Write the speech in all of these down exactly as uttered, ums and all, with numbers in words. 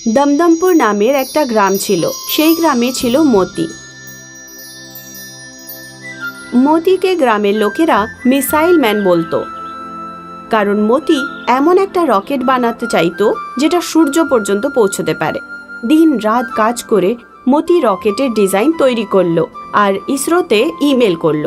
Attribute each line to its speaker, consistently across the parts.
Speaker 1: দমদমপুর নামের একটা গ্রাম ছিল। সেই গ্রামে ছিল মতি। মতিকে গ্রামের লোকেরা মিসাইল ম্যান বলতো, কারণ মতি এমন একটা রকেট বানাতে চাইতো যেটা সূর্য পর্যন্ত পৌঁছতে পারে। দিন রাত কাজ করে মতি রকেটের ডিজাইন তৈরি করলো আর ইসরোতে ইমেল করলো।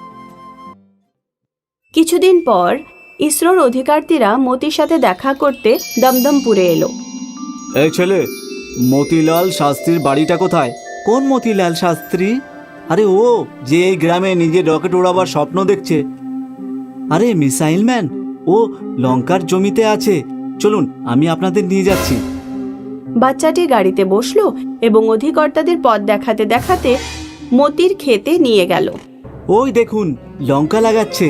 Speaker 1: কিছুদিন পর ইসরোর অধিকারীরা মতির সাথে দেখা করতে দমদমপুরে এলো।
Speaker 2: এই ছেলে, মতিলাল শাস্ত্রীর বাড়িটা কোথায়? কোন মতিলাল শাস্ত্রী? আরে ও যে এই গ্রামে নিজের রকেট ওড়াবার স্বপ্ন দেখছে। আরে মিসাইল ম্যান, ও লঙ্কার জমিতে আছে। চলুন, আমি আপনাদের নিয়ে যাচ্ছি।
Speaker 1: বাচ্চাটি গাড়িতে বসলো এবং অধিকর্তাদের পথ দেখাতে দেখাতে মতির ক্ষেতে নিয়ে গেল।
Speaker 2: ওই দেখুন, লঙ্কা লাগাচ্ছে।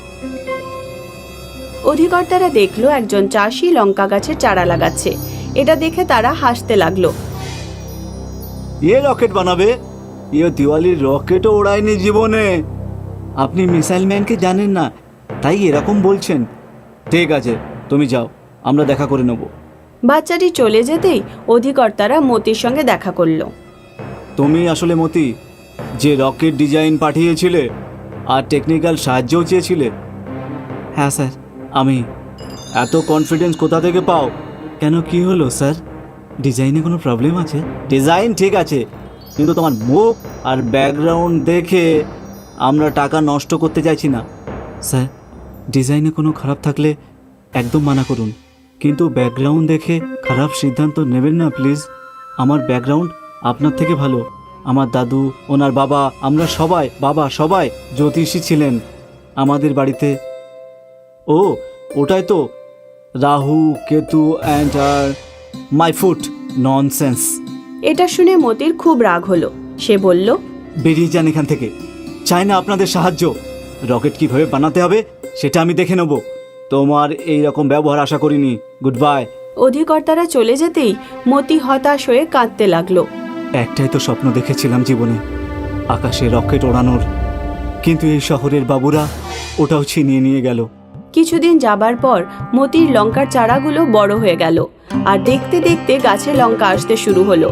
Speaker 1: অধিকর্তারা দেখলো একজন চাষি লঙ্কা গাছের চারা লাগাচ্ছে। এটা দেখে তারা হাসতে লাগলো।
Speaker 2: এ রকেট বানাবে? এ দিওয়ালির রকেটও ওড়ায়নি জীবনে। আপনি মিসাইল ম্যানকে জানেন না, তাই এরকম বলছেন। ঠিক আছে, তুমি যাও, আমরা দেখা করে নেব।
Speaker 1: বাচ্চাটি চলে যেতেই অধিকর্তারা মতির সঙ্গে দেখা করলো।
Speaker 2: তুমি আসলে মতি, যে রকেট ডিজাইন পাঠিয়েছিলে আর টেকনিক্যাল সাহায্যও চেয়েছিলে? হ্যাঁ স্যার, আমি। এত কনফিডেন্স কোথা থেকে পাও? কেন, কি হলো স্যার? ডিজাইনে কোনো প্রবলেম আছে? ডিজাইন ঠিক আছে, কিন্তু তোমার মুখ আর ব্যাকগ্রাউন্ড দেখে আমরা টাকা নষ্ট করতে চাইছি না। স্যার, ডিজাইনে কোনো খারাপ থাকলে একদম মানা করুন, কিন্তু ব্যাকগ্রাউন্ড দেখে খারাপ সিদ্ধান্ত নেবেন না প্লিজ। আমার ব্যাকগ্রাউন্ড আপনার থেকে ভালো। আমার দাদু, ওনার বাবা, আমরা সবাই, বাবা সবাই জ্যোতিষী ছিলেন আমাদের বাড়িতে। ও ওটাই তো, রাহু কেতু অ্যান্ড আর মাই ফুট। ননসেন্স।
Speaker 1: এটা শুনে মতির খুব রাগ হলো। সে বলল,
Speaker 2: বেরিয়ে যান এখান থেকে, চাই না আপনাদের সাহায্য। রকেট কিভাবে বানাতে হবে সেটা আমি দেখে নেব। তোমার এই রকম ব্যবহার আশা করিনি। Good bye.
Speaker 1: অধিকর্তারা চলে যেতেই মতি হতাশ হয়ে কাঁদতে লাগলো।
Speaker 2: একটাই তো স্বপ্ন দেখেছিলাম জীবনে, আকাশে রকেট ওড়ানোর, কিন্তু এই শহরের বাবুরা ওটাও ছিনিয়ে নিয়ে গেল।
Speaker 1: কিছুদিন যাবার পর মতির লঙ্কার চারাগুলো বড় হয়ে গেল আর দেখতে দেখতে গাছে লঙ্কা আসতে শুরু হলো।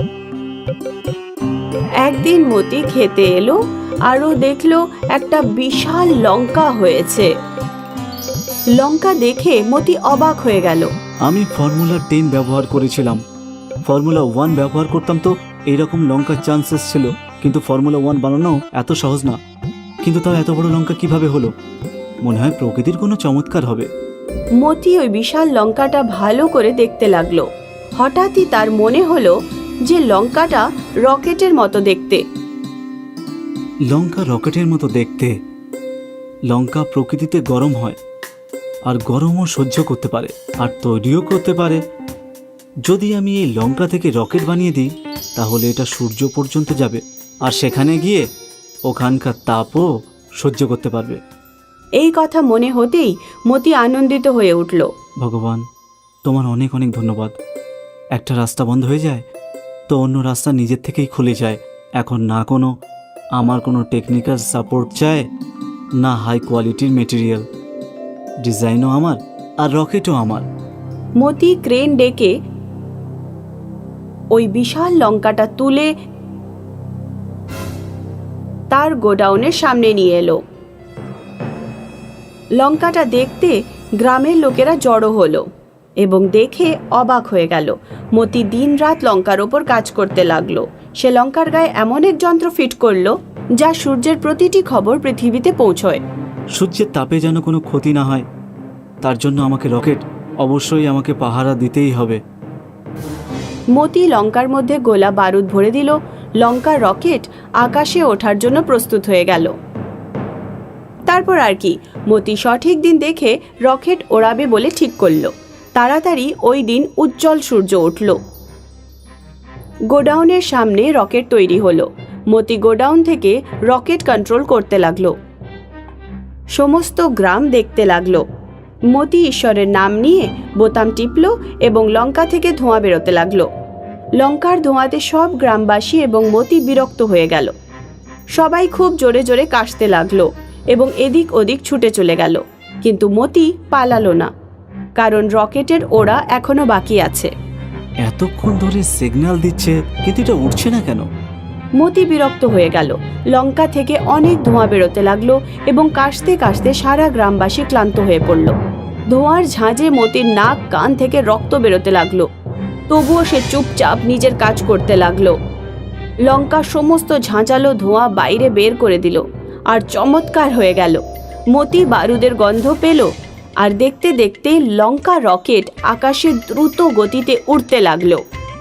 Speaker 1: একদিন মতি খেতে এলো আর ও দেখলো একটা বিশাল লঙ্কা হয়েছে। লঙ্কা দেখে মতি অবাক হয়ে গেল।
Speaker 2: আমি ফর্মুলা টেন ব্যবহার করেছিলাম, ফর্মুলা ওয়ান ব্যবহার করতাম তো এইরকম লঙ্কার চান্সেস ছিল, কিন্তু ফর্মুলা ওয়ান বানানো এত সহজ না। কিন্তু তাও এত বড় লঙ্কা কিভাবে হলো? মনে হয় প্রকৃতির কোনো চমৎকার হবে।
Speaker 1: মতি ওই বিশাল লঙ্কাটা ভালো করে দেখতে লাগলো। হঠাৎই তার মনে হলো যে লঙ্কাটা রকেটের মতো দেখতে।
Speaker 2: লঙ্কা রকেটের মতো দেখতে? লঙ্কা প্রকৃতিতে গরম হয়, আর গরমও সহ্য করতে পারে, আর তৈরিও করতে পারে। যদি আমি এই লঙ্কা থেকে রকেট বানিয়ে দিই, তাহলে এটা সূর্য পর্যন্ত যাবে, আর সেখানে গিয়ে ওখানকার তাপও সহ্য করতে পারবে।
Speaker 1: এই কথা মনে হতেই মতি আনন্দিত হয়ে উঠল।
Speaker 2: ভগবান, তোমার অনেক অনেক ধন্যবাদ। একটা রাস্তা বন্ধ হয়ে যায় তো অন্য রাস্তা নিজের থেকেই খুলে যায়। এখন না কোনো আমার কোনো টেকনিক্যাল সাপোর্ট চায়, না হাই কোয়ালিটির মেটেরিয়াল। ডিজাইনও আমার আর রকেটও আমার।
Speaker 1: মতি ক্রেন ডেকে ওই বিশাল লঙ্কাটা তুলে তার গোডাউনের সামনে নিয়ে এলো। লঙ্কাটা দেখতে গ্রামের লোকেরা জড়ো হলো এবং দেখে অবাক হয়ে গেল। মতি দিন রাত লঙ্কার ওপর কাজ করতে লাগলো। সে লঙ্কার গায়ে এমন এক যন্ত্র ফিট করলো যা সূর্যের প্রতিটি খবর পৃথিবীতে পৌঁছয়।
Speaker 2: সূর্যের তাপে যেন কোনো ক্ষতি না হয়, তার জন্য আমাকে রকেট অবশ্যই আমাকে পাহারা দিতেই হবে।
Speaker 1: মতি লঙ্কার মধ্যে গোলা বারুদ ভরে দিল। লঙ্কার রকেট আকাশে ওঠার জন্য প্রস্তুত হয়ে গেল। তারপর আর কি, মতি সঠিক দিন দেখে রকেট ওড়াবে বলে ঠিক করলো। তাড়াতাড়ি ওই দিন উজ্জ্বল সূর্য উঠল। গোডাউনের সামনে রকেট তৈরি হলো। মতি গোডাউন থেকে রকেট কন্ট্রোল করতে লাগলো। সমস্ত গ্রাম দেখতে লাগলো। মতি ঈশ্বরের নাম নিয়ে বোতাম টিপল এবং লঙ্কা থেকে ধোঁয়া বেরোতে লাগলো। লঙ্কার ধোঁয়াতে সব গ্রামবাসী এবং মতি বিরক্ত হয়ে গেল। সবাই খুব জোরে জোরে কাশতে লাগলো এবং এদিক ওদিক ছুটে চলে গেল, কিন্তু মতি পালালো না, কারণ রকেটের ওড়া এখনো বাকি আছে।
Speaker 2: এতক্ষণ ধরে সিগন্যাল দিচ্ছে কিন্তু এটা উঠছে না কেন?
Speaker 1: মতি বিরক্ত হয়ে গেল। লঙ্কা থেকে অনেক ধোঁয়া বেরোতে লাগলো এবং কাশতে কাশতে সারা গ্রামবাসী ক্লান্ত হয়ে পড়ল। ধোঁয়ার ঝাঁঝে মতির নাক কান থেকে রক্ত বেরোতে লাগলো। তবুও সে চুপচাপ নিজের কাজ করতে লাগলো। লঙ্কা সমস্ত ঝাঁঝালো ধোঁয়া বাইরে বের করে দিল আর চমৎকার হয়ে গেল। মতি বারুদের গন্ধ পেল আর দেখতে দেখতে লঙ্কা রকেট আকাশে দ্রুত গতিতে উড়তে লাগলো।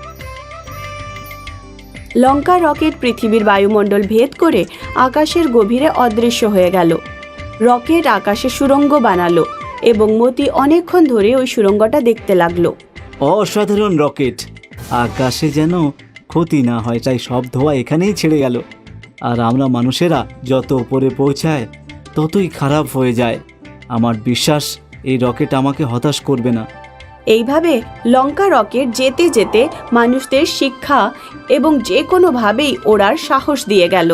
Speaker 1: লঙ্কা রকেট পৃথিবীর বায়ুমণ্ডল ভেদ করে আকাশের গভীরে অদৃশ্য হয়ে গেল। রকেট আকাশে সুড়ঙ্গ বানালো এবং মতি অনেকক্ষণ ধরে ওই সুড়ঙ্গটা দেখতে লাগলো।
Speaker 2: অসাধারণ রকেট, আকাশে যেন ক্ষতি না হয় তাই সব ধোঁয়া এখানেই ছেড়ে গেল। আর আমরা মানুষেরা যত উপরে পৌঁছায় ততই খারাপ হয়ে যায়। আমার বিশ্বাস এই রকেট আমাকে হতাশ করবে না।
Speaker 1: এইভাবে লঙ্কা রকেট যেতে যেতে মানুষদের শিক্ষা এবং যে কোনোভাবেই ওড়ার সাহস দিয়ে গেল।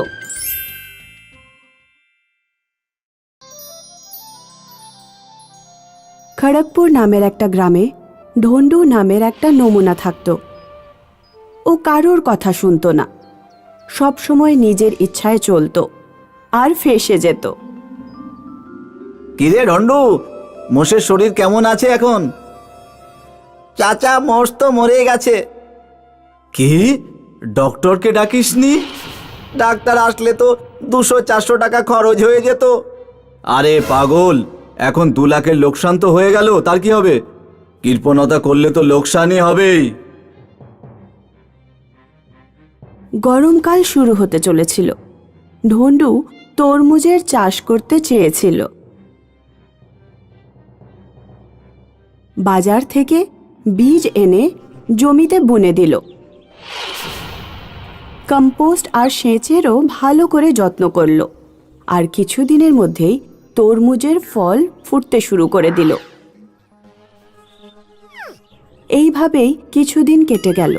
Speaker 1: খড়গপুর নামের একটা গ্রামে ঢন্ডু নামের একটা নমুনা থাকত। ও কারোর কথা শুনতো না, সব সময় নিজের ইচ্ছায় চলতো আর ফেঁসে যেত।
Speaker 2: কিরে ঢন্ডু, মোষের শরীর কেমন আছে এখন? চাচা, মোষ তো মরে গেছে। কি, ডক্টরকে ডাকিসনি? ডাক্তার আসলে তো দুশো চারশো টাকা খরচ হয়ে যেত। আরে পাগল, এখন দু লাখের লোকসান তো হয়ে গেল, তার কি হবে? কৃপণতা করলে তো লোকসানই হবেই।
Speaker 1: গরমকাল শুরু হতে চলেছিল। ঢন্ডু তরমুজের চাষ করতে চেয়েছিল। বাজার থেকে বীজ এনে জমিতে বুনে দিল। কম্পোস্ট আর সেচেরও ভালো করে যত্ন করল। আর কিছুদিনের মধ্যেই তরমুজের ফল ফুটতে শুরু করে দিল। এইভাবেই কিছুদিন কেটে গেল।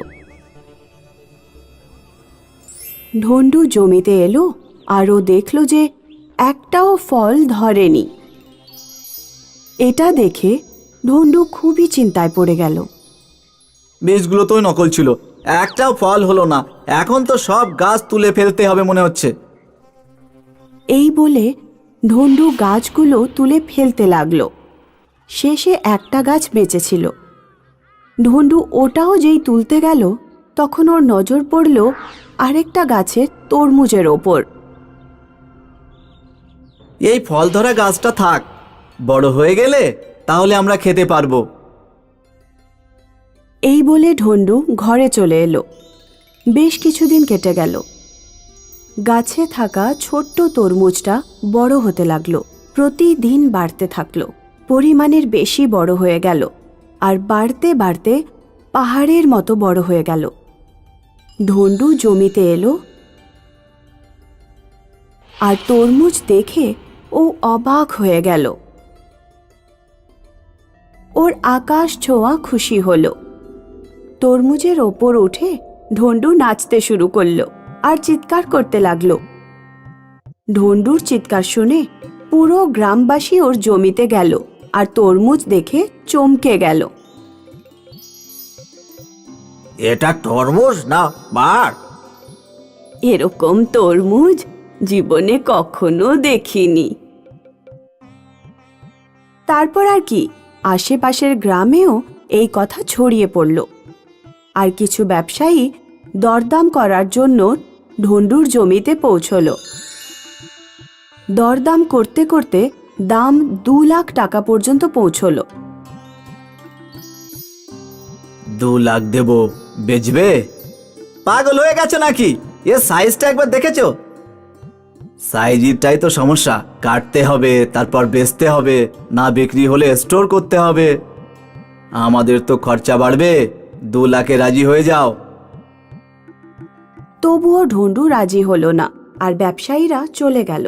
Speaker 1: ঢন্ডু জমিতে এলো আর ও দেখল যে একটাও ফল ধরেনি। এটা দেখে ঢন্ডু খুবই চিন্তায় পড়ে গেল।
Speaker 2: বীজগুলো তো নকল ছিল, একটাও ফল হলো না। এখন তো সব গাছ তুলে ফেলতে হবে মনে হচ্ছে।
Speaker 1: এই বলে ঢন্ডু গাছগুলো তুলে ফেলতে লাগলো। শেষে একটা গাছ বেঁচেছিল। ঢন্ডু ওটাও যেই তুলতে গেল তখন ওর নজর পড়ল আরেকটা গাছের তরমুজের ওপর।
Speaker 2: এই ফল ধরা গাছটা থাক, বড় হয়ে গেলে তাহলে আমরা খেতে পারবো।
Speaker 1: এই বলে ঢন্ডু ঘরে চলে এলো। বেশ কিছুদিন কেটে গেল। গাছে থাকা ছোট্ট তরমুজটা বড় হতে লাগলো, প্রতিদিন বাড়তে থাকলো, পরিমাণের বেশি বড় হয়ে গেল আর বাড়তে বাড়তে পাহাড়ের মতো বড় হয়ে গেল। ঢন্ডু জমিতে এলো আর তরমুজ দেখে ও অবাক হয়ে গেল। ওর আকাশ ছোঁয়া খুশি হলো। তরমুজের ওপর উঠে ঢন্ডু নাচতে শুরু করলো আর চিৎকার করতে লাগলো। ঢন্ডুর চিৎকার শুনে পুরো গ্রামবাসী ওর জমিতে গেল আর তরমুজ দেখে চমকে গেল।
Speaker 2: এটা তরমুজ না বার?
Speaker 1: এরকম তরমুজ জীবনে কখনো দেখিনি। তারপর আর কি, আশেপাশের গ্রামেও এই কথা ছড়িয়ে পড়ল। আর কিছু ব্যবসায়ী দরদাম করার জন্য ঢন্ডুর জমিতে পৌঁছল। দরদাম করতে করতে দাম দু লাখ টাকা পর্যন্ত পৌঁছল।
Speaker 2: দু লাখ দেব, বেচবে? পাগল হয়ে গেছে নাকি? এ সাইজটা একবার দেখেছো? সাইজটাই তো সমস্যা। কাটতে হবে, তারপর বেচতে হবে, না বিক্রি হলে স্টোর করতে হবে। আমাদের তো খরচা বাড়বে। দু লাখে রাজি হয়ে যাও।
Speaker 1: তবুও ঢন্ডু রাজি হলো না আর ব্যবসায়ীরা চলে গেল।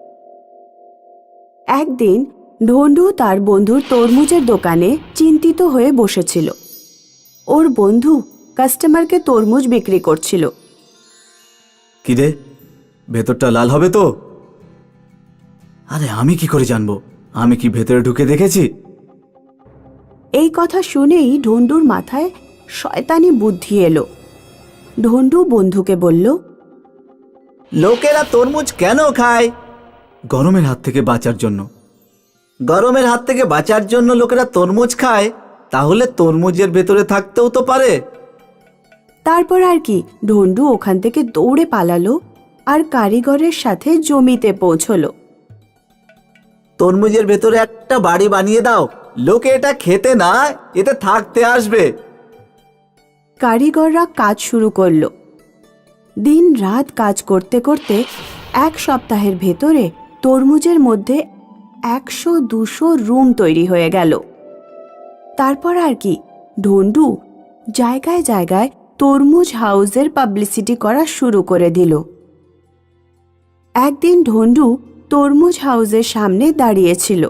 Speaker 1: একদিন ঢন্ডু তার বন্ধুর তরমুজের দোকানে চিন্তিত হয়ে বসেছিল। ওর বন্ধু কাস্টমারকে তরমুজ বিক্রি করছিল।
Speaker 2: কি রে, ভেতরটা লাল হবে তো? আরে আমি কি করে জানবো? আমি কি ভেতরে ঢুকে দেখেছি?
Speaker 1: এই কথা শুনেই ঢন্ডুর মাথায় শয়তানি বুদ্ধি এলো। ঢন্ডু বন্ধুকে বলল,
Speaker 2: লোকেরা তরমুজ কেন খায়? গরমের হাত থেকে বাঁচার জন্য। গরমের হাত থেকে বাঁচার জন্য লোকেরা তরমুজ খায়? তাহলে তরমুজের ভেতরে থাকতেও তো পারে।
Speaker 1: তারপর আর কি, ঢন্ডু ওখান থেকে দৌড়ে পালালো আর কারিগরের সাথে জমিতে পৌঁছলো।
Speaker 2: তরমুজের ভেতরে একটা বাড়ি বানিয়ে দাও, লোকে এটা খেতে না, এতে থাকতে আসবে।
Speaker 1: কারিগররা কাজ শুরু করলো। দিন রাত কাজ করতে করতে এক সপ্তাহের ভেতরে তরমুজের মধ্যে একশো দুশো রুম তৈরি হয়ে গেল। তারপর আর কি, ঢন্ডু জায়গায় জায়গায় তরমুজ হাউসের পাবলিসিটি করা শুরু করে দিল। একদিন ঢন্ডু তরমুজ হাউসের সামনে দাঁড়িয়েছিল।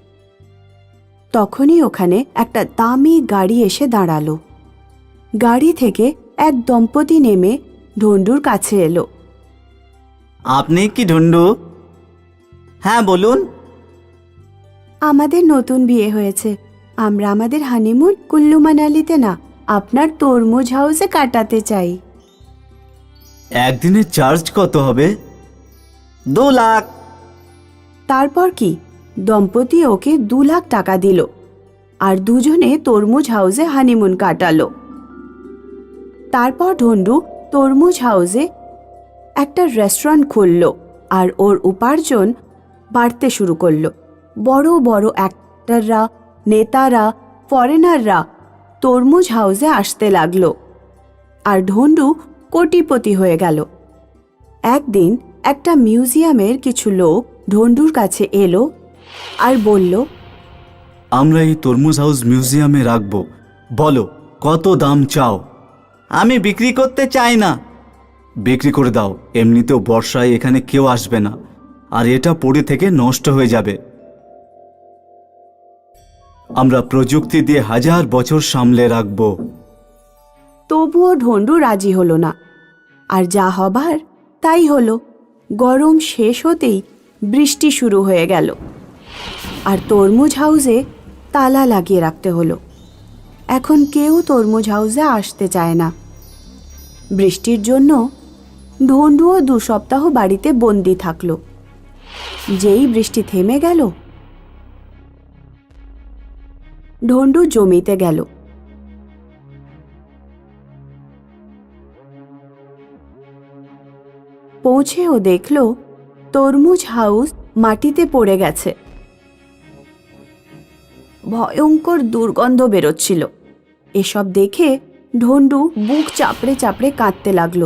Speaker 1: তখনই ওখানে একটা দামি গাড়ি এসে দাঁড়ালো। গাড়ি থেকে এক দম্পতি নেমে ঢন্ডুর কাছে এলো।
Speaker 2: আপনি কি ঢন্ডু? হ্যাঁ, বলুন।
Speaker 1: আমাদের নতুন বিয়ে হয়েছে। আমরা আমাদের হানিমুন কুল্লু মানালিতে না, আপনার তরমুজ হাউসে কাটাতে চাই।
Speaker 2: একদিনের চার্জ কত হবে? দু লাখ।
Speaker 1: তারপর কি, দম্পতি ওকে দু লাখ টাকা দিল আর দুজনে তরমুজ হাউসে হানিমুন কাটালো। তারপর ঢন্ডু তরমুজ হাউসে একটা রেস্টুরেন্ট খুলল আর ওর উপার্জন বাড়তে শুরু করলো। বড় বড় অ্যাক্টররা, নেতারা, ফরেনাররা তরমুজ হাউসে আসতে লাগলো আর ঢন্ডু কোটিপতি হয়ে গেল। একদিন একটা মিউজিয়ামের কিছু লোক ঢন্ডুর কাছে এলো আর বলল,
Speaker 2: আমরা এই তরমুজ হাউস মিউজিয়ামে রাখবো, বলো কত দাম চাও? আমি বিক্রি করতে চাই না। বিক্রি করে দাও, এমনিতেও বর্ষায় এখানে কেউ আসবে না আর এটা পড়ে থেকে নষ্ট হয়ে যাবে। আমরা প্রযুক্তি দিয়ে হাজার বছর সামলে রাখবো।
Speaker 1: তবুও ঢন্ডু রাজি হলো না, আর যা হবার তাই হলো। গরম শেষ হতেই বৃষ্টি শুরু হয়ে গেল আর তরমুজ হাউসে তালা লাগিয়ে রাখতে হলো। এখন কেউ তরমুজ হাউসে আসতে চায় না। বৃষ্টির জন্য ঢন্ডুও দু সপ্তাহ বাড়িতে বন্দি থাকলো। যেই বৃষ্টি থেমে গেল, ঢন্ডু জমিতে গেল। পৌঁছে ও দেখল তরমুজ হাউস মাটিতে পড়ে গেছে। ভয়ঙ্কর দুর্গন্ধ বেরোচ্ছিল। এসব দেখে ঢন্ডু বুক চাপড়ে চাপড়ে কাঁদতে লাগলো।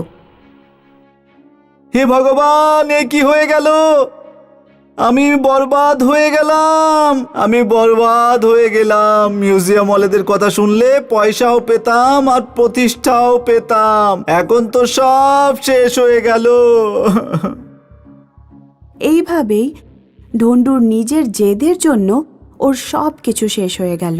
Speaker 2: হে ভগবান, এ কি হয়ে গেল? আমি বরবাদ হয়ে গেলাম, আমি বরবাদ হয়ে গেলাম। মিউজিয়াম ওয়ালাদের কথা শুনলে পয়সাও পেতাম আর প্রতিষ্ঠাও পেতাম, এখন তো সব শেষ হয়ে গেল।
Speaker 1: এইভাবেই ঢন্ডুর নিজের জেদের জন্য ওর সব কিছু শেষ হয়ে গেল।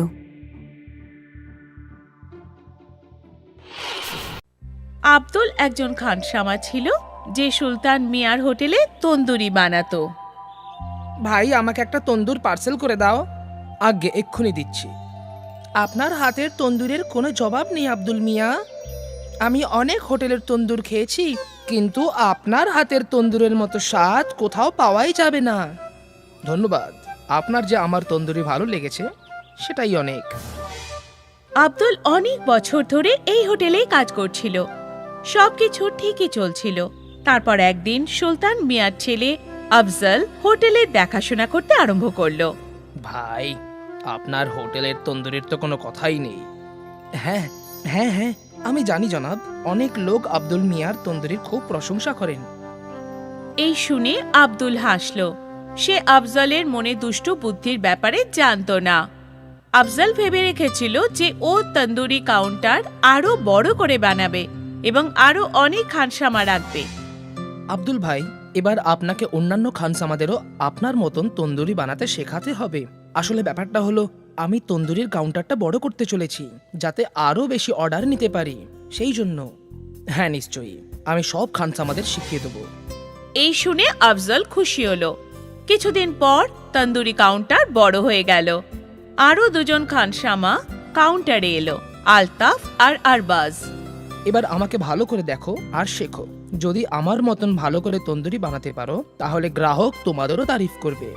Speaker 3: আব্দুল একজন খানসামা ছিল যে সুলতান মিয়ার হোটেলে তন্দুরি বানাতো।
Speaker 4: ভাই, আমাকে একটা তন্দুর পার্সেল করে দাও। আগে এক্ষুনি দিচ্ছি। আপনার হাতের তন্দুরের কোনো জবাব নেই আব্দুল মিয়া। আমি অনেক হোটেলের তন্দুর খেয়েছি, কিন্তু আপনার হাতের তন্দুরের মতো স্বাদ কোথাও পাওয়াই যাবে না। ধন্যবাদ, আপনার যে আমার তন্দুরি ভালো লেগেছে সেটাই অনেক।
Speaker 3: আব্দুল অনেক বছর ধরে এই হোটেলেই কাজ করছিল। সবকিছু ঠিকই চলছিল। তারপর একদিন সুলতান মিয়ার ছেলে আফজল হোটেলের দেখাশোনা করতে আরম্ভ করলো।
Speaker 4: ভাই, আপনার হোটেলের তন্দুরির তো কোনো কথাই নেই। হ্যাঁ হ্যাঁ হ্যাঁ আমি জানি জনাব, অনেক লোক আব্দুল মিয়ার তন্দুরির খুব প্রশংসা করেন।
Speaker 3: এই শুনে আব্দুল হাসলো। সে আফজলের মনে দুষ্ট বুদ্ধির ব্যাপারে জানতো না। আফজল ভেবে রেখেছিল যে ও তন্দুরি কাউন্টার আরো বড় করে বানাবে এবং আরো অনেক খানসামা রাখবে।
Speaker 4: আব্দুল ভাই, এবার আপনাকে অন্যান্য খানসামাদেরও আপনার মতন তন্দুরি বানাতে শেখাতে হবে। আসলে ব্যাপারটা হলো, আমি তন্দুরির কাউন্টারটা বড় করতে চলেছি যাতে আরো বেশি অর্ডার নিতে পারি, সেই জন্য। হ্যাঁ নিশ্চয়ই, আমি সব খানসামাদের শিখিয়ে দেবো।
Speaker 3: এই শুনে আফজল খুশি হলো। কিছুদিন পর তন্দুরি কাউন্টার বড় হয়ে গেল। আরো দুজন খানসামা কাউন্টারে এলো আলতাফ আর আরবাজ।
Speaker 4: এবার আমাকে ভালো করে দেখো আর শেখো। যদি আমার মতন ভালো করে তন্দুরি বানাতে পারো তাহলে গ্রাহক তোমাদেরও তারিফ করবে।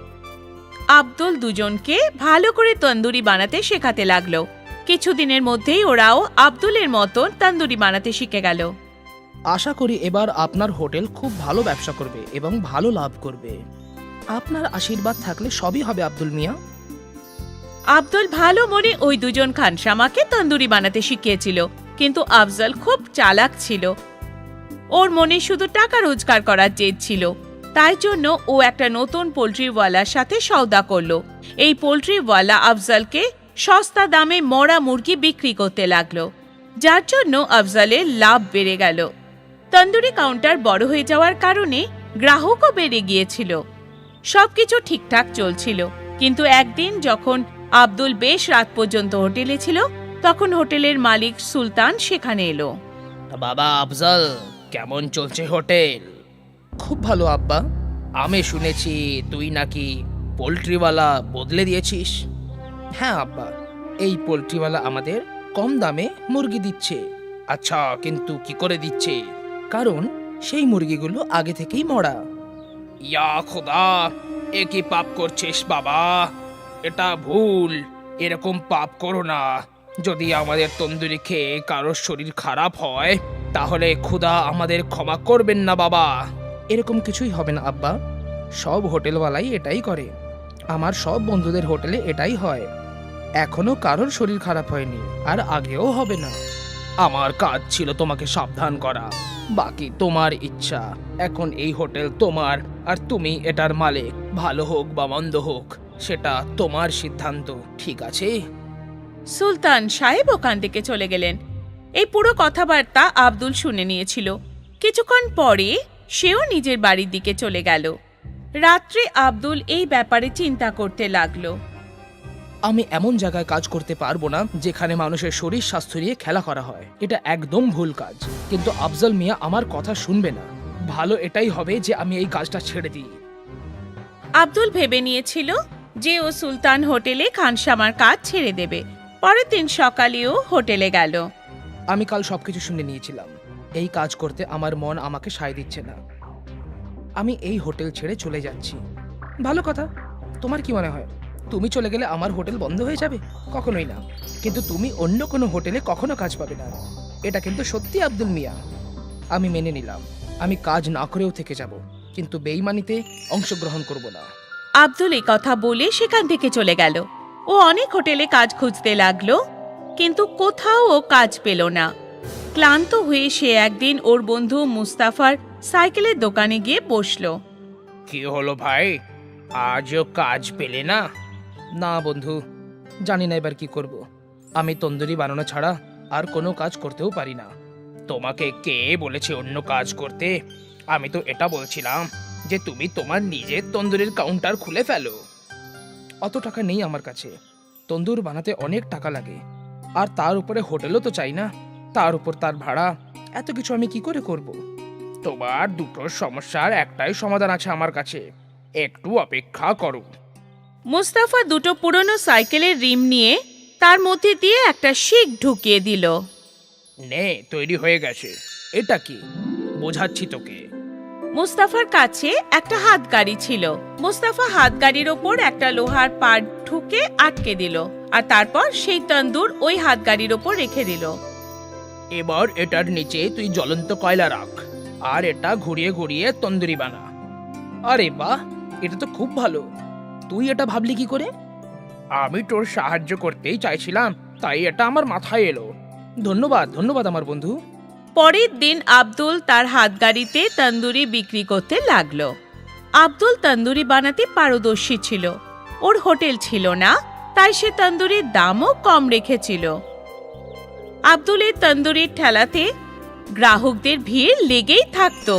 Speaker 3: আব্দুল দুজনকে ভালো করে তন্দুরি বানাতে শেখাতে লাগলো। কিছুদিনের মধ্যেই ওরাও আব্দুলের মতন তন্দুরি বানাতে শিখে গেল।
Speaker 4: আশা করি এবার আপনার হোটেল খুব ভালো ব্যবসা করবে এবং ভালো লাভ করবে। আপনার আশীর্বাদ থাকলে সবই হবে আব্দুল মিয়া।
Speaker 3: আব্দুল ভালো মনে ওই দুজন খানসামাকে তন্দুরি বানাতে শিখিয়েছিল, কিন্তু আফজল খুব চালাক ছিল। ওর মনে শুধু টাকা রোজগার করার জেদ ছিল। তাই জন্য ও একটা নতুন পোল্ট্রিওয়ালার সাথে সওদা করলো। এই পোল্ট্রিওয়ালা আফজলকে সস্তা দামে মরা মুরগি বিক্রি করতে লাগলো, যার জন্য আফজলের লাভ বেড়ে গেল। তন্দুরি কাউন্টার বড় হয়ে যাওয়ার কারণে গ্রাহকও বেড়ে গিয়েছিল। সবকিছু ঠিকঠাক চলছিল, কিন্তু একদিন যখন আব্দুল বেশ রাত পর্যন্ত হোটেলে ছিল, তখন হোটেলের মালিক সুলতান সেখানে এলো।
Speaker 4: বাবা আফজল, কেমন চলছে হোটেল? খুব ভালো আব্বা। আমি শুনেছি তুই নাকি পোল্ট্রিওয়ালা বদলে দিয়েছিস। হ্যাঁ আব্বা, এই পোল্ট্রিওয়ালা আমাদের কম দামে মুরগি দিচ্ছে। আচ্ছা, কিন্তু কি করে দিচ্ছে? কারণ সেই মুরগিগুলো আগে থেকেই মরা। ইয়া খোদা, এ কি পাপ করছিস বাবা? এটা ভুল। এরকম পাপ করো না। যদি আমাদের তন্দুরি খেয়ে কারোর শরীর খারাপ হয় তাহলে খোদা আমাদের ক্ষমা করবেন না বাবা। এরকম কিছুই হবে না আব্বা। সব হোটেলওয়ালাই এটাই করে। আমার সব বন্ধুদের হোটেলে এটাই হয়। এখনো কারোর শরীর খারাপ হয়নি, আর আগেও হবে না। আমার কাজ ছিল তোমাকে সাবধান করা, বাকি তোমার ইচ্ছা। এখন এই হোটেল তোমার, আর তুমি এটার মালিক। ভালো হোক বা মন্দ হোক সেটা তোমার সিদ্ধান্ত, ঠিক আছে?
Speaker 3: সুলতান সাহেব ওখান থেকে চলে গেলেন। এই পুরো কথাবার্তা আব্দুল শুনে নিয়েছিল। কিছুক্ষণ পরে সেও নিজের বাড়ির দিকে চলে গেল। রাত্রে আব্দুল এই ব্যাপারে চিন্তা করতে লাগলো।
Speaker 4: আমি এমন জায়গায় কাজ করতে পারবো না যেখানে মানুষের শরীর স্বাস্থ্য নিয়ে খেলা করা হয়। এটা একদম ভুল কাজ। কিন্তু আফজল মিয়া আমার কথা শুনবে না। ভালো এটাই হবে যে আমি এই কাজটা ছেড়ে দিই।
Speaker 3: আব্দুল ভেবে নিয়েছিল যে ও সুলতান হোটেলে খানসামার কাজ ছেড়ে দেবে। পরের দিন সকালেও হোটেলে গেল।
Speaker 4: আমি কাল সবকিছু শুনে নিয়েছিলাম। এই কাজ করতে আমার মন আমাকে সায় দিচ্ছে না। আমি এই হোটেল ছেড়ে চলে যাচ্ছি। ভালো কথা। তোমার কি মনে হয় তুমি চলে গেলে আমার হোটেল বন্ধ হয়ে যাবে? কখনোই না। কিন্তু তুমি অন্য কোনো হোটেলে কখনো কাজ পাবে না। এটা কিন্তু সত্যি আব্দুল মিয়া। আমি মেনে নিলাম। আমি কাজ না করেও থেকে যাব, কিন্তু বেইমানিতে অংশগ্রহণ করব না।
Speaker 3: আব্দুল এই কথা বলে সেখান থেকে চলে গেল। ও অনেক হোটেলে কাজ খুঁজতে লাগলো, কিন্তু কোথাও ও কাজ পেল না। ক্লান্ত হয়ে সে একদিন ওর বন্ধু মুস্তাফার সাইকেলের দোকানে গিয়ে বসলো।
Speaker 4: কি হলো ভাই, আজও কাজ পেলে না? না বন্ধু, জানি না এবার কি করব। আমি তন্দুরি বানানো ছাড়া আর কোনো কাজ করতেও পারি না। তোমাকে কে বলেছে অন্য কাজ করতে? আমি তো এটা বলছিলাম যে তুমি তোমার নিজের তন্দুরির কাউন্টার খুলে ফেলো। অত টাকা নেই আমার কাছে। তন্দুর বানাতে অনেক টাকা লাগে, আর তার উপরে হোটেলও তো চাই না। তার উপর তার ভাড়া, এত কিছু আমি কি করে করব? তোমার দুটো সমস্যার একটাই সমাধান আছে আমার কাছে। একটু অপেক্ষা করো।
Speaker 3: মুস্তাফা দুটো পুরনো সাইকেলের রিম নিয়ে তার মধ্যে দিয়ে একটা শিক ঢুকিয়ে দিল।
Speaker 4: নে, তৈরি হয়ে গেছে। এটা কি? বোঝাচ্ছি তোকে।
Speaker 3: মুস্তাফার কাছে একটা হাত গাড়ি ছিল। মুস্তাফা হাত গাড়ির ওপর একটা লোহার পাট ঢুকে আটকে দিল, আর তারপর সেই তন্দুর ওই হাত গাড়ির ওপর রেখে দিল।
Speaker 4: এবার এটার নিচে তুই জ্বলন্ত কয়লা রাখ, আর এটা ঘুরিয়ে ঘুরিয়ে তন্দুরি বানা। আরে বাহ, এটা তো খুব ভালো। তুই এটা ভাবলি কি করে? আমি তোর সাহায্য করতেই চাইছিলাম, তাই এটা আমার মাথায় এলো। ধন্যবাদ ধন্যবাদ আমার বন্ধু।
Speaker 3: পরের দিন আব্দুল তার হাত গাড়িতে তন্দুরি বিক্রি করতে লাগলো। আব্দুল তন্দুরি বানাতে পারদর্শী ছিল। ওর হোটেল ছিল না, তাই সে তন্দুরির দামও কম রেখেছিল। আব্দুলের তন্দুরির ঠেলাতে গ্রাহকদের ভিড় লেগেই থাকতো।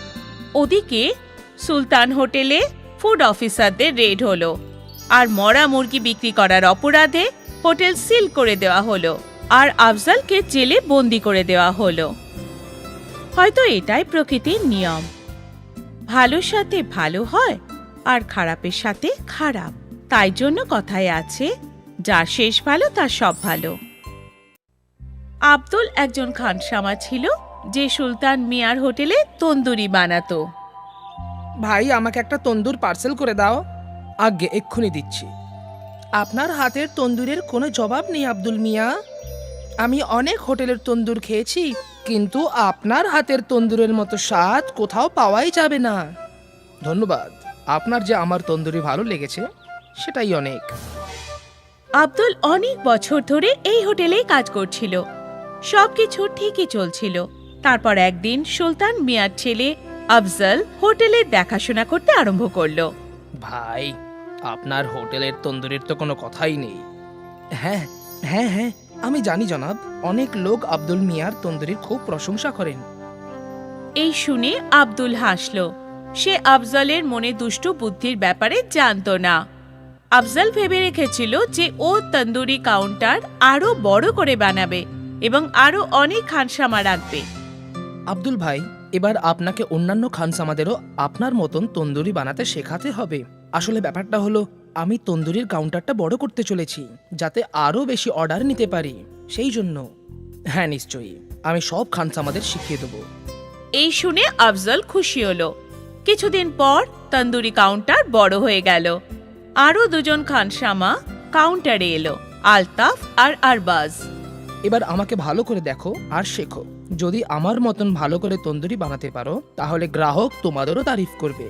Speaker 3: ওদিকে সুলতান হোটেলে ফুড অফিসারদের রেড হলো, আর মরা মুরগি বিক্রি করার অপরাধে হোটেল সিল করে দেওয়া হলো, আর আফজলকে জেলে বন্দি করে দেওয়া হলো। হয়তো এটাই প্রকৃতির নিয়ম। ভালোর সাথে ভালো হয় আর খারাপের সাথে খারাপ। তাই জন্য কথায় আছে, যার শেষ ভালো তার সব ভালো। আব্দুল একজন খানসামা ছিল যে সুলতান মিয়ার হোটেলে তন্দুরি বানাতো।
Speaker 4: ভাই আমাকে একটা তন্দুর পার্সেল করে দাও। আগে এক্ষুনি দিচ্ছি। আপনার হাতের তন্দুরের কোনো জবাব নেই আব্দুল মিয়া। আমি অনেক হোটেলের তন্দুর খেয়েছি, কিন্তু আপনার হাতের তন্দুরের মতো স্বাদ কোথাও পাওয়াই যাবে না। ধন্যবাদ, আপনার যে আমার তন্দুরি ভালো লেগেছে সেটাই অনেক।
Speaker 3: আব্দুল অনেক বছর ধরে এই হোটেলেই কাজ করছিল। সবকিছু ঠিকই চলছিল। তারপর একদিন সুলতান মিয়ার ছেলে আফজল হোটেলের দেখাশোনা করতে আরম্ভ করলো।
Speaker 4: ভাই, আপনার হোটেলের তন্দুরির তো কোনো কথাই নেই। হ্যাঁ হ্যাঁ হ্যাঁ আমি জানি জনাব, অনেক লোক আব্দুল মিয়ার তন্দুরির খুব প্রশংসা করেন।
Speaker 3: এই শুনে আব্দুল হাসল। সে আফজলের মনে দুষ্টু বুদ্ধির ব্যাপারে জানতো না। আফজল ভেবে রেখেছিল যে ও তন্দুরি কাউন্টার আরো বড় করে বানাবে এবং আরো অনেক খানসামা রাখবে।
Speaker 4: আব্দুল ভাই, এবার আপনাকে অন্যান্য খানসামাদেরও আপনার মতন তন্দুরি বানাতে শেখাতে হবে। আসলে ব্যাপারটা হলো, আমি তন্দুরির কাউন্টারটা বড় করতে চলেছি যাতে আরো বেশি অর্ডার নিতে পারি, সেই জন্য। হ্যাঁ নিশ্চয়ই, আমি সব খানসামাদের শিখিয়ে দেবো।
Speaker 3: এই শুনে আফজল খুশি হলো। কিছুদিন পর তন্দুরি কাউন্টার বড় হয়ে গেল। আরো দুজন খানসামা কাউন্টারে এলো, আলতাফ আর আরবাজ।
Speaker 4: এবার আমাকে ভালো করে দেখো আর শেখো। যদি আমার মতন ভালো করে তন্দুরি বানাতে পারো তাহলে গ্রাহক তোমাদেরও তারিফ করবে।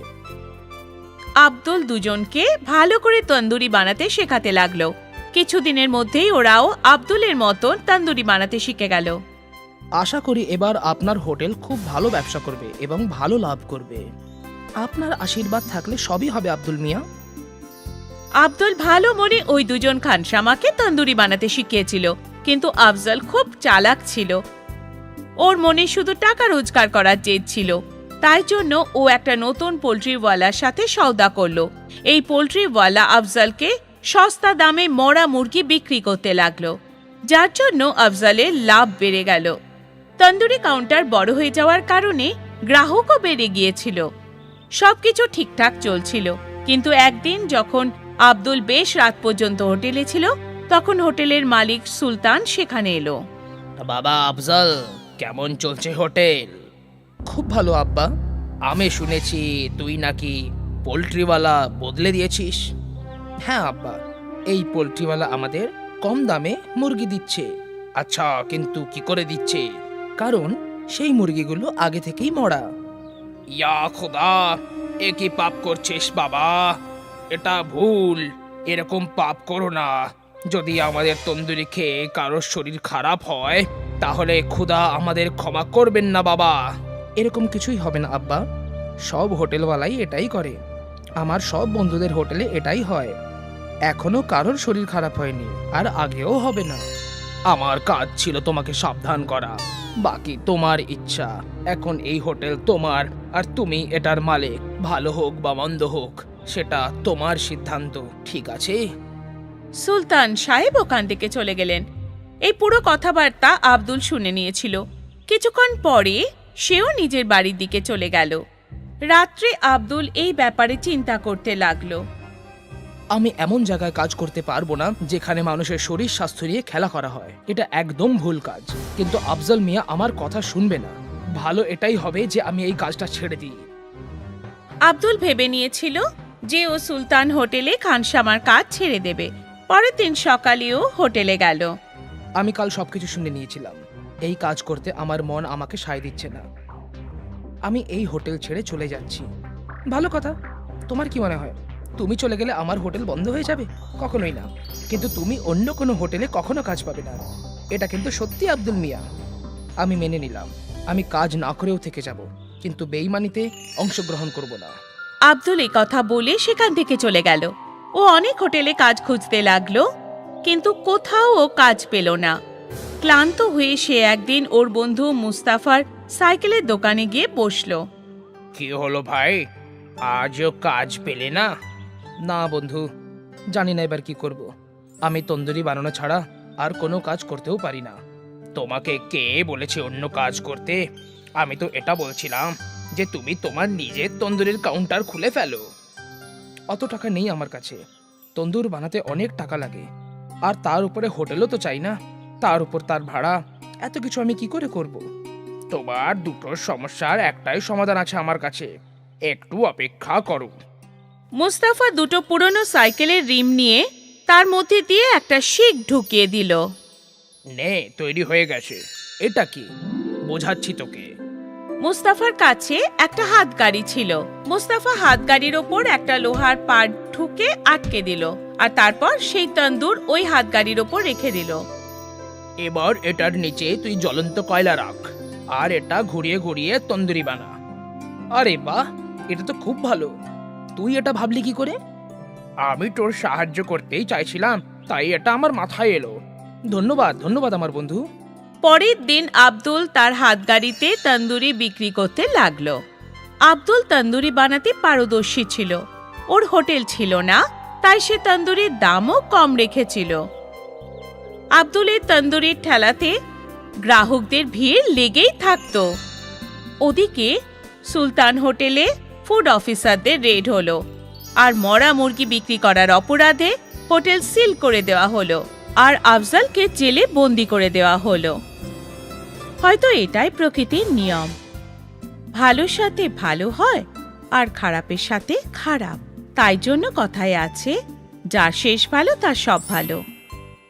Speaker 3: আব্দুল দুজনকে ভালো করে তন্দুরি বানাতে শেখাতে লাগলো। কিছুদিনের মধ্যেই ওরাও আব্দুলের মতন তন্দুরি বানাতে শিখে গেল।
Speaker 4: আশা করি এবার আপনার হোটেল খুব ভালো ব্যবসা করবে এবং ভালো লাভ করবে। আপনার আশীর্বাদ থাকলে সবই হবে আব্দুল মিয়া।
Speaker 3: আব্দুল ভালো মনে ওই দুজন খানসামাকে তন্দুরি বানাতে শিখিয়েছিল, কিন্তু আফজল খুব চালাক ছিল। ওর মনে শুধু টাকা রোজগার করার জেদ ছিল। তাই জন্য ও একটা নতুন পোল্ট্রিওয়ালার সাথে সওদা করলো। এই পোল্ট্রিওয়ালা আফজলকে সস্তা দামে মরা মুরগি বিক্রি করতে লাগলো, যার জন্য আফজলের লাভ বেড়ে গেল। তন্দুরি কাউন্টার বড় হয়ে যাওয়ার কারণে গ্রাহকও বেড়ে গিয়েছিল। সবকিছু ঠিকঠাক চলছিল, কিন্তু একদিন যখন আব্দুল বেশ রাত পর্যন্ত হোটেলে ছিল, তখন হোটেলের মালিক সুলতান সেখানে এলো।
Speaker 4: বাবা আফজল, কেমন চলছে হোটেল? খুব ভালো আব্বা। আমি শুনেছি তুই নাকি পোল্ট্রিওয়ালা বদলে দিয়েছিস। হ্যাঁ আব্বা, এই পোল্ট্রিওয়ালা আমাদের কম দামে মুরগি দিচ্ছে। আচ্ছা, কিন্তু কি করে দিচ্ছে? কারণ সেই মুরগিগুলো আগে থেকেই মরা। ইয়া খোদা, এ কি পাপ করছিস বাবা? এটা ভুল। এরকম পাপ করো না। যদি আমাদের তন্দুরি খেয়ে কারোর শরীর খারাপ হয় তাহলে খোদা আমাদের ক্ষমা করবেন না বাবা। এরকম কিছুই হবে না আব্বা, সব হোটেলওয়ালাই এটাই করে। আমার সব বন্ধুদের হোটেলে এটাই হয়। এখনো কারোর শরীর খারাপ হয়নি, আর আগেও হবে না। আমার কাজ ছিল তোমাকে সাবধান করা, বাকি তোমার ইচ্ছা। এখন এই হোটেল তোমার, আর তুমি এটার মালিক। ভালো হোক বা মন্দ হোক সেটা তোমার সিদ্ধান্ত, ঠিক আছে?
Speaker 3: সুলতান সাহেব ওখান থেকে চলে গেলেন। এই পুরো কথাবার্তা আব্দুল শুনে নিয়েছিল। কিছুক্ষণ পরে সেও নিজের বাড়ির দিকে চলে গেল। রাত্রে আব্দুল এই ব্যাপারে চিন্তা করতে লাগলো।
Speaker 4: আমি এমন জায়গায় কাজ করতে পারবো না যেখানে মানুষের শরীর স্বাস্থ্য নিয়ে খেলা করা হয়। এটা একদম ভুল কাজ। কিন্তু আফজল মিয়া আমার কথা শুনবে না। ভালো এটাই হবে যে আমি এই কাজটা ছেড়ে দিই।
Speaker 3: আব্দুল ভেবে নিয়েছিল যে ও সুলতান হোটেলে খানসামার কাজ ছেড়ে দেবে। পরের দিন সকালেও হোটেলে গেল।
Speaker 4: আমি কাল সবকিছু শুনে নিয়েছিলাম। এই কাজ করতে আমার মন আমাকে সায় দিচ্ছে না। আমি এই হোটেল ছেড়ে চলে যাচ্ছি। ভালো কথা। তোমার কি মনে হয় তুমি চলে গেলে আমার হোটেল বন্ধ হয়ে যাবে? কখনোই না। কিন্তু তুমি অন্য কোনো হোটেলে কখনো কাজ পাবে না। এটা কিন্তু সত্যি আব্দুল মিয়া। আমি মেনে নিলাম, আমি কাজ না করেও থেকে যাব, কিন্তু বেইমানিতে অংশগ্রহণ করব না।
Speaker 3: আব্দুল এই কথা বলে সেখান থেকে চলে গেল। ও অনেক হোটেলে কাজ খুঁজতে লাগলো, কিন্তু কোথাও ও কাজ পেল না। ক্লান্ত হয়ে সে একদিন ওর বন্ধু মুস্তাফার সাইকেলের দোকানে গিয়ে বসলো।
Speaker 4: কি হলো ভাই, আজও কাজ পেলে না? না বন্ধু, জানি না এবার কি করব। আমি তন্দুরি বানানো ছাড়া আর কোনো কাজ করতেও পারি না। তোমাকে কে বলেছে অন্য কাজ করতে? আমি তো এটা বলছিলাম যে তুমি তোমার নিজের তন্দুরির কাউন্টার খুলে ফেলো। অত টাকা নেই আমার কাছে। তন্দুর বানাতে অনেক টাকা লাগে, আর তার উপরে হোটেলও তো চাই না। তার উপর তার ভাড়া, এত কিছু আমি কি করে করব? তোমার দুটো সমস্যার একটাই সমাধান আছে আমার কাছে, একটু অপেক্ষা করো।
Speaker 3: মুস্তাফা দুটো পুরনো সাইকেলের রিম নিয়ে তার মধ্যে দিয়ে একটা শিক ঢুকিয়ে দিল।
Speaker 4: নে, তৈরি হয়ে গেছে। এটা কি? বোঝাচ্ছি তোকে।
Speaker 3: মুস্তাফার কাছে একটা হাতগাড়ি ছিল। মুস্তাফা হাতগাড়ির ওপর একটা লোহার পাট ঢুকে আটকে দিল, আর তারপর সেই তন্দুর ওই হাতগাড়ির ওপর রেখে দিল।
Speaker 4: এবার এটার নিচে তুই জ্বলন্ত কয়লা রাখ, আর এটা ঘুরিয়ে ঘুরিয়ে তন্দুরি বানা। আরে বাহ, এটা তো খুব ভালো। তুই এটা ভাবলি কি করে? আমি তোর সাহায্য করতেই চাইছিলাম, তাই এটা আমার মাথায় এলো। ধন্যবাদ ধন্যবাদ আমার বন্ধু।
Speaker 3: পরের দিন আব্দুল তার হাতগাড়িতে তন্দুরি বিক্রি করতে লাগলো। আব্দুল তন্দুরি বানাতে পারদর্শী ছিল। ওর হোটেল ছিল না, তাই সে তন্দুরির দামও কম রেখেছিল। আব্দুলের তন্দুরির ঠেলাতে গ্রাহকদের ভিড় লেগেই থাকতো। ওদিকে সুলতান হোটেলে ফুড অফিসারদের রেড হলো, আর মরা মুরগি বিক্রি করার অপরাধে হোটেল সিল করে দেওয়া হলো, আর আফজালকে জেলে বন্দি করে দেওয়া হলো। হয়তো এটাই প্রকৃতির নিয়ম, ভালোর সাথে ভালো হয় আর খারাপের সাথে খারাপ। তাই জন্য কথায় আছে, যার শেষ ভালো তার সব ভালো।